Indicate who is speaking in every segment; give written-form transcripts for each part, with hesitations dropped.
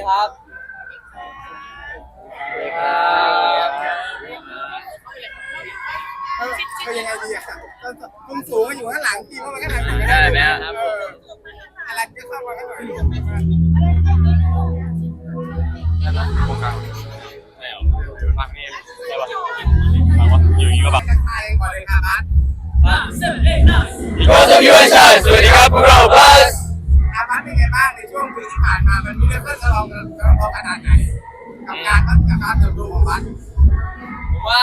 Speaker 1: ครับ
Speaker 2: ก็ยังไงดีอ่ะมุมสูงอยู่ข้างหลังทีมว่ามันก็ทำอย่าง
Speaker 3: ได้
Speaker 2: นี้ได้
Speaker 3: ไหมครับ
Speaker 2: อะไรจะเข้ามาข้างหลัง
Speaker 3: โครงการไม่เอาฟังนี่ใช่ป่ะฟังว่าอยู่อย่างนี้ก็แบบ
Speaker 2: ทักทายก่อนเลยครับ
Speaker 3: Because of you and Shine สวัสดีครับพวกเรา Plus
Speaker 2: อาบัสเป็นไงบ้างในช่วงปีที่ผ่านมามันมีเรื่องทะเลาะขนาดไหนกับการเติบโตของบัส
Speaker 3: ผมว่า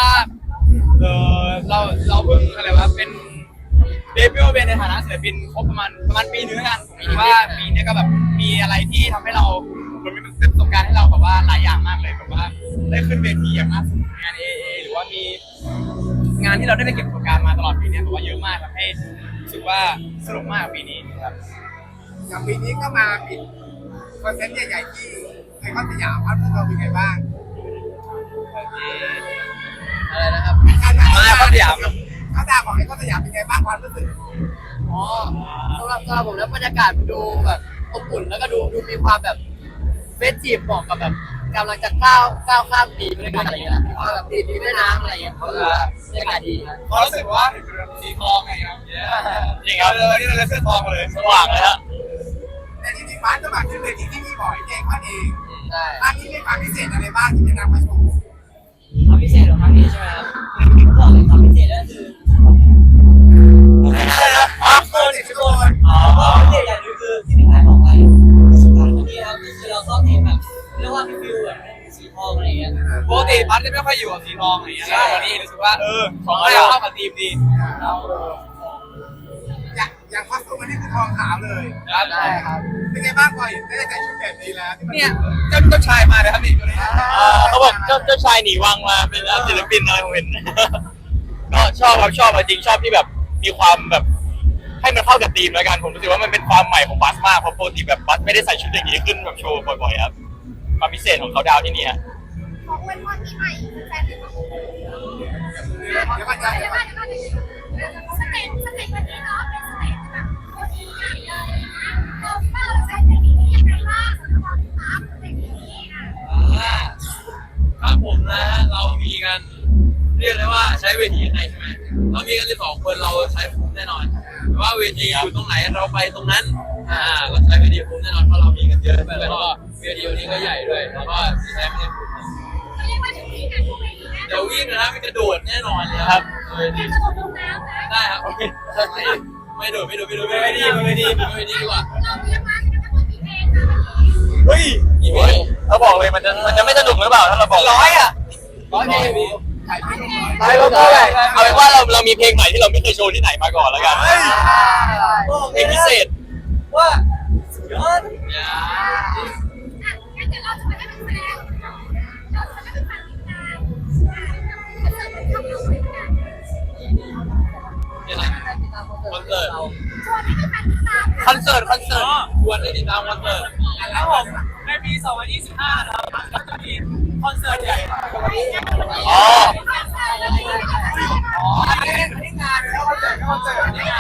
Speaker 3: เราเพิ่งอะไรวะเป็นเดบิวต์เป็นในฐานะศิลปินครบประมาณปีนึงแล้วกันผมคิดว่าปีนี้ก็แบบมีอะไรที่ทำให้เรามันมีประสบการณ์ให้เราแบบว่าหลายอย่างมากเลยแบบว่าได้ขึ้นเวทีอย่างมากสุดงาน AA หรือว่ามีงานที่เราได้ไปเก็บประสบการณ์มาตลอดปีนี้แบบว่าเยอะมากทำให้รู้สึกว่าสนุกมากปีนี้ครับ
Speaker 2: อย่างปีนี้ก็มาปิดคอนเสิร์ตใหญ่ๆที่ไอคอนสยามครับเราเป็นไงบ้าง
Speaker 1: อะไรนะครับ
Speaker 3: มาคอนสยาม
Speaker 2: เขาดาวของไอคอนสยามเป็นไงบ้างความรู้สึก
Speaker 1: อ๋อสำหรับผมแล้วบรรยากาศดูแบบอบอุ่นแล้วก็ดูมีความแบบเฟสทีฟเหมาะกับแบบกำลังจะก้าวข้ามปีไปด้วยกันอะไรอย่างเงี้ยมีความแบบตีแม่น้ำอะไรอย่างเงี้ยก็คือบรรยากาศดีครับ
Speaker 3: เขารู้สึกว่าสีทองไงครับจริงครับนี่เราเสื้อทองมาเลยสว่างเลยฮะ
Speaker 2: แต่จริงๆบัสก็มาขึ้นเวทีที่นี่บ่อยเองเขาเอง
Speaker 1: ใช่
Speaker 2: ครั้งนี้มีความพิเศษอะไรบ้างที่จะนำมาโชว์
Speaker 1: ความพิเศษของครั้งนี้ใช่ไหมครับบอกเลยความพิเศษก็คือ
Speaker 2: ทุกคน
Speaker 1: พิเศษอย่างหนึงคือที่พี่ขายบอกไปอันนี้ครับก็คือเราชอบทีมแบบเรียกว่ามีฟิลแบบสีทองอะไรอย่างเงี้ย
Speaker 3: ปกติบัสจะไม่ค่อยอยู่กับสีทองอะไรอย่างเงี้ยวันนี้รู้สึกว่าของเราเข้ากับทีมดี
Speaker 2: อย่างคอสตูมอันนี้คือทองขาวเลย
Speaker 1: ได้ครับ
Speaker 2: เป็นไงบ้างพอเห็นได้ใส่ชุดแบบนี้แล้วที่มัน
Speaker 3: เนี่ยเจ้าชายมาเลยครับนี่ตัวนี้เขาบอกเจ้าชายหนีวังมาเป็นศิลปินอะไรผมเห็นก็ชอบครับชอบจริงชอบที่แบบมีความแบบให้มันเข้ากับธีมแล้วกันผมรู้สึกว่ามันเป็นความใหม่ของบัสมากเพราะปกติแบบบัสไม่ได้ใส่ชุดอย่างนี้ขึ้นแบบโชว์บ่อยๆครับความพิเศษของเขาดาวที่นี่ฮะ
Speaker 4: ของวันวันปีใหม่แฟนเป็นของ
Speaker 2: เดี๋ยวก่อนจะ
Speaker 4: เดี๋ยวก่อนสเต็ปวันนี้เนาะเป็นสเต็ปแบบโคตรใหญ่เลยนะเราคิดว่าเราใช้เทคนิคนี้ยังไงบ้างสำหรับเราที่ตามเทคนิคนี้อ่ะ
Speaker 3: ครับผมนะฮะเรามีกันเรียกได้ว่าใช้เวทีไหนใช่ไหมเรามีกัน12 คนเราใช้คุ้มแน่นอนแต่ว่าเวทีอยู่ตรงไหนเราไปตรงนั้นเราใช้เวทีคุ้มแน่นอนเพราะเรามีกันเยอะแล้วก็เวทีวันนี้ก็ใหญ่ด้วยแล้วก็ใช้ไม่ได้คุ้ม
Speaker 4: เขาเรียกว่าถึงที่การทุกเวทีนะ
Speaker 3: เดี๋ยววิ่งนะมีกระโดดแน่นอนเลยครับเวที
Speaker 4: จะลงลงน้ำนะ
Speaker 3: ได้ครับโอเคไม่โดดไม่ดีดีกว่า
Speaker 4: เราเตรียมมากันทั้งหมดกี่เพลงคะวันนี้
Speaker 3: เฮ้ยอีเมลเราบอกเลยมันจะไม่สนุกหรือเปล่าถ้าเราบอก100อ่ะ
Speaker 1: 100 เพลง
Speaker 3: ไปก็ได้เอาเป็นว่าเรามีเพลงใหม่ที่เราไม่เคยโชว์ที่ไหนมาก่อนแล้วกันเพลงพิเศษ
Speaker 1: ว่าสุดยอด
Speaker 4: อ่ะงั้นเดี๋ยวเราจะไปให้เป็นแฟนเราจะไปให้เป็นแฟนติดตามคอนเสิร์ตมันทำเราเหมือนกัน
Speaker 3: นี่นะคอนเสิร์ต
Speaker 4: ชวนให้เป็นแฟนติดตาม
Speaker 3: คอนเสิร์ตชวนได้ติดตามคอนเสิร์ต
Speaker 5: ครับผมในปี 2025 นะครับก็จะมีคอนเสิร์ตใหญ่
Speaker 3: อ๋อ
Speaker 2: อันนี้งานแล้วคอนเสิร์ตนี่งาน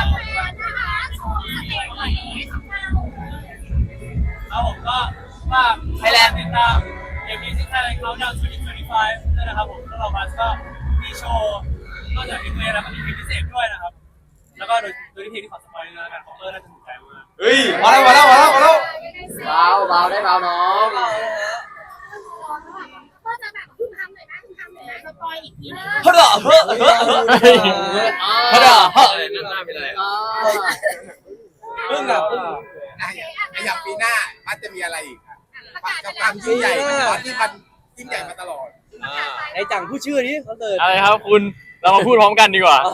Speaker 5: ครับผมก็ฝากไทยแลนด์ติดตามเอ็มวีที่ไทยแลนด์เขาดาวน์2025ด้วยนะครับผมแล้วเราบัสก็มีโชว์นอกจากเพลงแล้วก็มีเพลงพิเศษด้วยนะครับแล้วก็โดยที่เพลงที่ขอสปอยล์แล้วกันของน่าจะถูกใจมาก
Speaker 3: เฮ้ยมาแล้ว
Speaker 1: เบาได้เบาน้อง
Speaker 4: ก็จะแบบคุณทำหน่อยนะคุณทำหน่อยนะสปอยอีกทีนึง
Speaker 3: เฮ้ยนั่นหน้าเป็นไร
Speaker 1: พึ่งอ่ะพึ่ง
Speaker 2: อย่างปีหน้ามันจะมีอะไรอีกกับความยิ่งใหญ่ตอนที่มันยิ่งใหญ่มาตลอด
Speaker 1: ไอ้จังพูดชื่อนี้คอนเสิร์ต
Speaker 3: อะไรครับคุณเรามาพูดพร้อมกันดีกว่า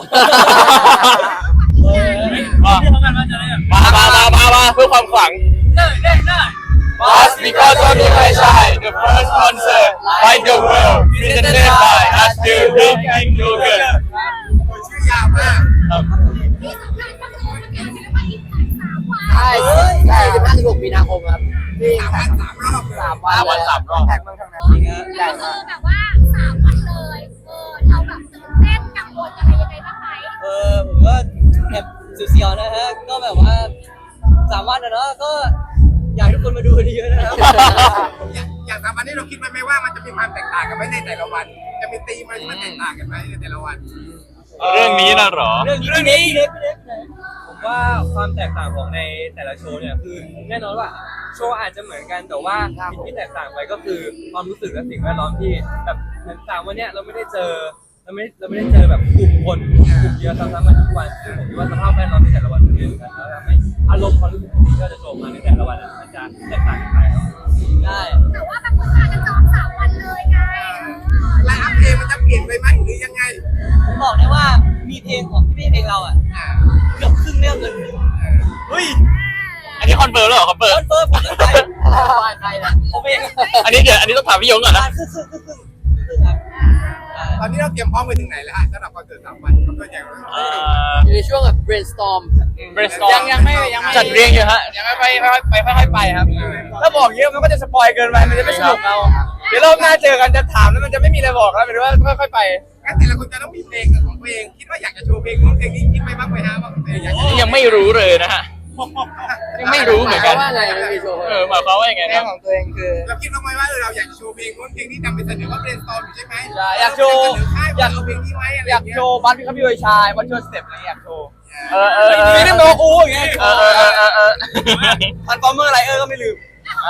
Speaker 5: พูดพร้อมกันว่าจะได้แบบ
Speaker 3: มาเพื่อความขลัง
Speaker 5: ได้
Speaker 3: Us because of you I shine the first concert like the world presented by us to Big King Yogurt
Speaker 2: ชื่อยาวมาก
Speaker 4: ที่สำคัญก็คือประกาศเป็นว่าอีก3 วัน
Speaker 1: ใช่15-16 มีนาคมครับที่
Speaker 2: 3 วัน
Speaker 1: 3 วัน
Speaker 3: 3 วัน
Speaker 1: แท็กเมืองทางนั้นจริงฮะใหญ่
Speaker 4: ก็
Speaker 1: มา
Speaker 4: คือก แบบว่า3 วันเลยเราแบบตื่นเต้นกังวลอะไรยังไงบ้างไหม
Speaker 1: ผมก็แอบเสียวๆนะฮะก็แบบว่า3 วันนะเนาะก็
Speaker 5: อยากให้ทุกคนมาดูกันเยอะๆนะครับ
Speaker 2: อย่าง3 วันนี้เราคิดไหมว่ามันจะมีความแตกต่างกันไหมในแต่ละวัน จะมีธีมอะไรที่มันแตกต่างกันไหมในแต่ละวัน
Speaker 3: เรื่องนี้นะหรอ
Speaker 5: เรื่องนี้ผมว่าความแตกต่างของในแต่ละโชว์เนี่ยคือแน่นอนว่าโชว์อาจจะเหมือนกันแต่ว่าสิ่งที่แตกต่างไปก็คือความรู้สึกและสิ่งแวดล้อมที่แบบเหมือน3 วันเนี้ยเราไม่ได้เจอแบบกลุ่มคนกลุ่มเดียวซ้ำๆกันทุกวันซึ่งผมคิดว่าสภาพแวดล้อมในแต่ละวันมันไม่เหมือนกันแล้วทำให้อารมณ์ความรู้สึกที่ก็จะโชว์มาในแต่ละวันมันจะแตกต่างกันไปครับได้
Speaker 4: แต่ว่าบางคนอาจจะจอง3 วันเลยไง
Speaker 2: ไลน์อัพเพลงมันจะเปลี่ยนไปไหมหรือยังไง
Speaker 5: ผมบอกได้ว่ามีเพลงของพี่เพลงเราอ่ะเกือบครึ่งเรื่องเลยเฮ้ย
Speaker 3: อันนี้คอนเฟิร์มแล้วเหรอคอนเฟิร์ม
Speaker 5: คอนเฟิร์มผมตั้งใจ
Speaker 1: ใครนะ
Speaker 5: ผมเอง
Speaker 3: อันนี้เดี๋ยวอันนี้ต้องถามพี่ยงก่อนนะ
Speaker 5: ครึ่งครับ
Speaker 2: ตอนนี้เราเตรียมพร้อมไปถึงไหนแล้วฮะสำหรับคอนเสิร์ต3 วันคอนเสิร์ตใหญ่ของเรา
Speaker 1: อยู่ในช่วงแบบ brainstorm
Speaker 3: brainstorm
Speaker 5: ยังไม่
Speaker 3: จัดเรียงอยู่ฮะยังไม่ค่อยไปครับถ้าบอกเยอะมันก็จะสปอยเกินไปมันจะไม่สนุกเอาเดี๋ยวรอบหน้าเจอกันจะถามแล้วมันจะไม่มีอะไรบอกแล้วหมายถึงว่าค่อยๆไป
Speaker 2: งั้นแต่ละคนจะต้องมีเพลงของตัวเองคิดว่าอยากจะโชว์เพลงนู้นเพลงนี้คิดไปบ้างไหมฮะว่าอยากจะ
Speaker 3: ยังไม่รู้เลยนะฮะยังไม่รู้เหมือนกัน
Speaker 1: ว่าไงไม่มีโชว์
Speaker 3: หมายความว่ายังไง
Speaker 1: เพล
Speaker 3: นะ
Speaker 1: งของตัวเองคือ
Speaker 2: เราคิดบ้างไหมว่าเราอยากจะโชว์เพลงนู้นเพลงนี้นำไปเสนอว่าเพลงสตอมใช่ไหม
Speaker 3: อยากโชว์
Speaker 2: อยากเอาเพลงนี้ไว้อะไร
Speaker 3: อยาก
Speaker 2: เงี้ย
Speaker 3: โชว์บ้านพี่ครับพี่วิชายบ้านโชว์สเต็ปอะไรอยากโชว์ไม่ได้โนอูอย่างเงี้ยทันฟอร์เมอร์ไรก็ไม่ลืม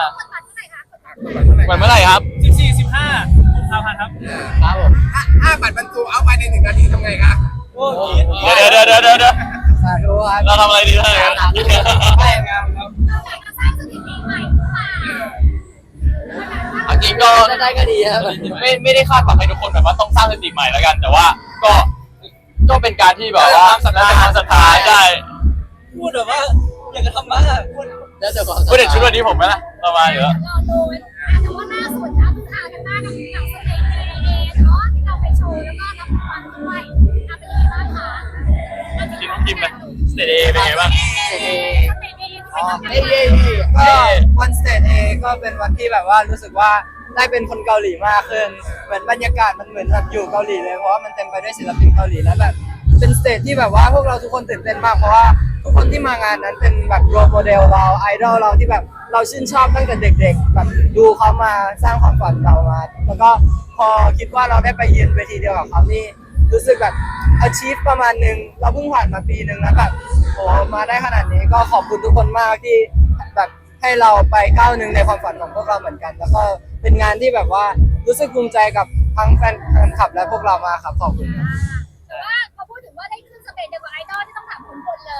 Speaker 4: คนบัตรเท่าไหร่คะ
Speaker 3: วันเมื่อไหร่ครับ
Speaker 5: 14-15 กุมภาพันธ์ครับ
Speaker 1: ครับผม
Speaker 2: ถ้าบัตรบรรจุเอาไปใน1 นาทีทำไงคะ
Speaker 5: โอ้ย
Speaker 3: เดี๋ยว
Speaker 1: สาธุครับ
Speaker 3: เราทำอะไรดีท่านครับ
Speaker 5: ได้งานครับ
Speaker 4: เราอยากจะสร้างสถิติใหม่หรือเปล่า
Speaker 3: เอาจริงก็
Speaker 1: ถ้าได้ก็ดีครับ
Speaker 3: ไม่ได้คาดหวังให้ทุกคนแบบว่าต้องสร้างสถิติใหม่แล้วกัน แต่ว่าก็เป็นการที่แบบว่าความศรัทธาได้
Speaker 5: พูดแบบว่าอยากจะทำบ้างพูด
Speaker 1: แล้วแต่ความ
Speaker 3: พูดถึงชุดวันนี้ผมไหมล่ะประมาณอยู่แล้ว
Speaker 4: รอดูแต่ว่าล่าสุดนะคืออากันบ้างกับหนังสเต็กเอเนาะที่เราไปโชว์แล้วก็รับรางวัลด้วยเป็นยังไงบ้างคะ
Speaker 3: ทีมทีมเลยสเตเดย์เป็นไงบ้าง
Speaker 4: สเต็กเอที่ไปทำ
Speaker 1: เอ้ย
Speaker 6: ก็วันสเตจเอก็เป็นวันที่แบบว่ารู้สึกว่าได้เป็นคนเกาหลีมากขึ้นเหมือนบรรยากาศมันเหมือนแบบอยู่เกาหลีเลยเพราะว่ามันเต็มไปด้วยศิลปินเกาหลีแล้วแบบเป็นสเตจที่แบบว่าพวกเราทุกคนตื่นเต้นมากเพราะว่าทุกคนที่มางานนั้นเป็นแบบโรลโมเดลเราไอดอลเราที่แบบเราชื่นชอบตั้งแต่เด็กๆแบบดูเขามาสร้างความฝันเรามาแล้วก็พอคิดว่าเราได้ไปยืนเวทีเดียวกับเขานี่รู้สึกแบบ achieve ประมาณนึงเราเพิ่งผ่านมาปีนึงแล้วแบบโอ้มาได้ขนาดนี้ก็ขอบคุณทุกคนมากที่แบบให้เราไปก้าวหนึ่งในความฝันของพวกเราเหมือนกัน แล้วก็เป็นงานที่แบบว่ารู้สึกภูมิใจกับทั้งแฟนคลับและพวกเรามากครับขอบคุณครับ
Speaker 4: แต่ว่าพอพูดถึงว่าได้ขึ้นสเตจเดียวกับไอดอลที่ต้องถามคุณพลเลย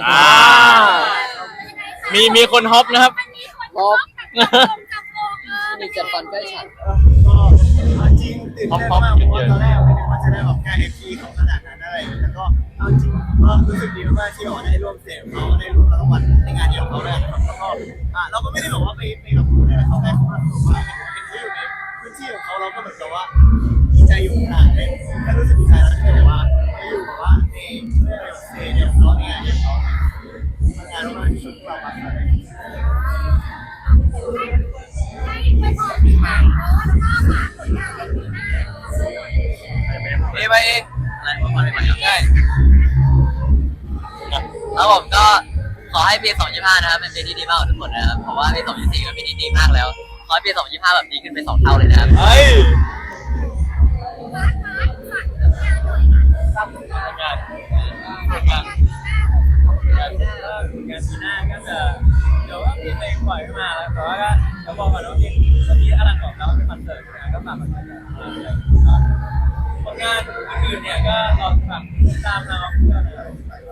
Speaker 3: มีคนฮอปนะครับ
Speaker 4: อันนี้คนฮอปจับโกง
Speaker 1: มีจัดฟันใกล้ฉัน
Speaker 7: ก็จริงตื่นเต้นมากเพราะว่าตอนแรกไม่นึกว่าจะได้ออกงาน FP ของขนาดนั้นอะไรแล้วก็เอาจริงก็รู้สึกดีมากที่ได้ร่วมเสพเขาได้ร่วมรางวัลในงานเดียวกับเขาด้วยนะครับแล้วก็เราก็ไม่ได้บอกว่าไปกับคุณได้เขาได้เขามาบอกว่าเห็นเขาอยู่ในพื้นที่ของเขาเราก็เหมือนกับว่าดีใจอยู่ขนาดนั้นแค่รู้สึกดีใจแล้วที่แบบว่าไปอยู่แบบว่าในเรื่องเดียวเขาในงานเดียวเขางานเราชุดเรามา
Speaker 4: ให้ไปพอปีใหม่แล้วก็ฝากผลงานในปีหน้า
Speaker 3: ไปเองอะไรประมาณนี้ใช่
Speaker 8: แล้วผมก็ขอให้ปี 2025 นะครับเป็นปีที่ดีมากของทุกคนนะครับ เพราะว่าปี 2024 ก็ปีที่ดีมากแล้ว ขอให้ปี 2025 แบบดีขึ้นเป็น2 เท่าเลยนะครับ
Speaker 3: เฮ้ย
Speaker 4: ฝากผลงานหน่อย
Speaker 3: งาน
Speaker 4: ฝากผลงานปีหน้า
Speaker 5: งานปีหน้าก็จะเดี๋ยวก็มีเพลงปล่อยขึ้นมาแล้วแต่ว่าก็เดี๋ยวบอกก่อนว่าเพลงเมื่อกี้อลังบอกแล้วเป็นคอนเสิร์ตนะก็ฝากคอนเสิร์ตผลงานอื่นๆเนี่ยก็รอฝากตามเราเพื่อนนะครับ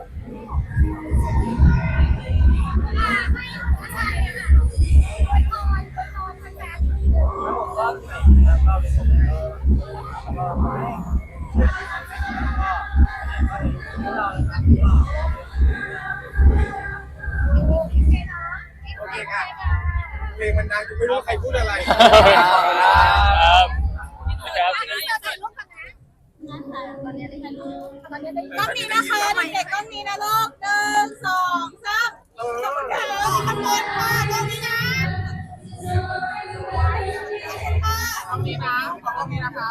Speaker 4: ให้ผู้ชายอะค่ะอวยพรแฟนๆที่ดู
Speaker 5: แล้วผมก็ใหม่นะครับก็เป็นผมแล้วก็ให้พวกเรานะครับ
Speaker 2: โอเคค่ะเพลงมันดังจนไม่รู้ใครพูดอะไร
Speaker 3: ครับ
Speaker 4: ก้อนนี้นะคะเด็กๆก้อนนี้นะลูก1 2 3ขอบคุณค่ะขอบคุณค่ะก้อนนี้นะขอบคุณค่ะ
Speaker 2: ตรงนี้นะตรงนี้นะครับ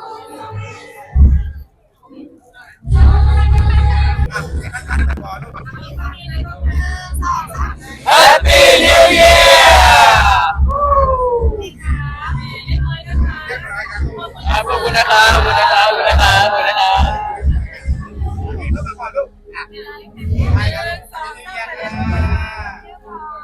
Speaker 2: อ่ะให้ท่านขอดูก่อน
Speaker 3: ขอบคุณนะครับขอบคุณนะครับขอบคุณนะครับขอบคุณนะครับ
Speaker 2: ลูกมาก่อนลูกอ่ะไปกันเลย